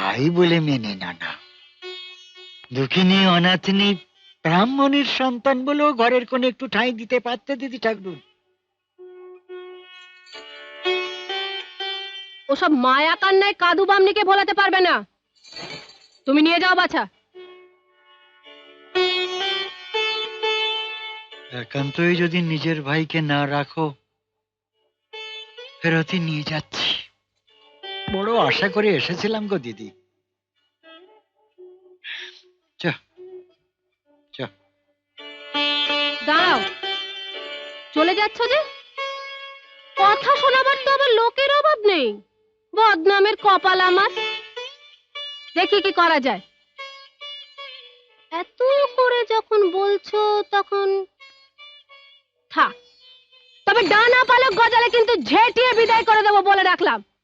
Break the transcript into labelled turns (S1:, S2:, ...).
S1: ভাই বলে মেনে না। দুঃখিনী অনাথিনী ব্রাহ্মণের সন্তান বলেও ঘরের কোণে একটু ঠাঁই দিতে পারতে দিদি ঠাকুর।
S2: ওসব মায়া কান্নায় কাদু বামনিকে ভোলাতে পারবে না। তুমি নিয়ে যাও বাছা।
S1: একান্তই যদি নিজের ভাইকে না রাখো, ফেরতই নিয়ে যাচ্ছি। বড় আশা করে এসেছিলাম গো দিদি। চ চ।
S2: দাঁড়াও, চলে যাচ্ছ যে? কথা শোনাবার তো আবার লোকের অভাব নেই। বদনামের কপাল আমার। দেখি কি করা যায়। এত করে যখন বলছো তখন থাক। তবে ডানা পালক গজালে কিন্তু ঝেঁটিয়ে বিদায় করে দেবো বলে রাখলাম।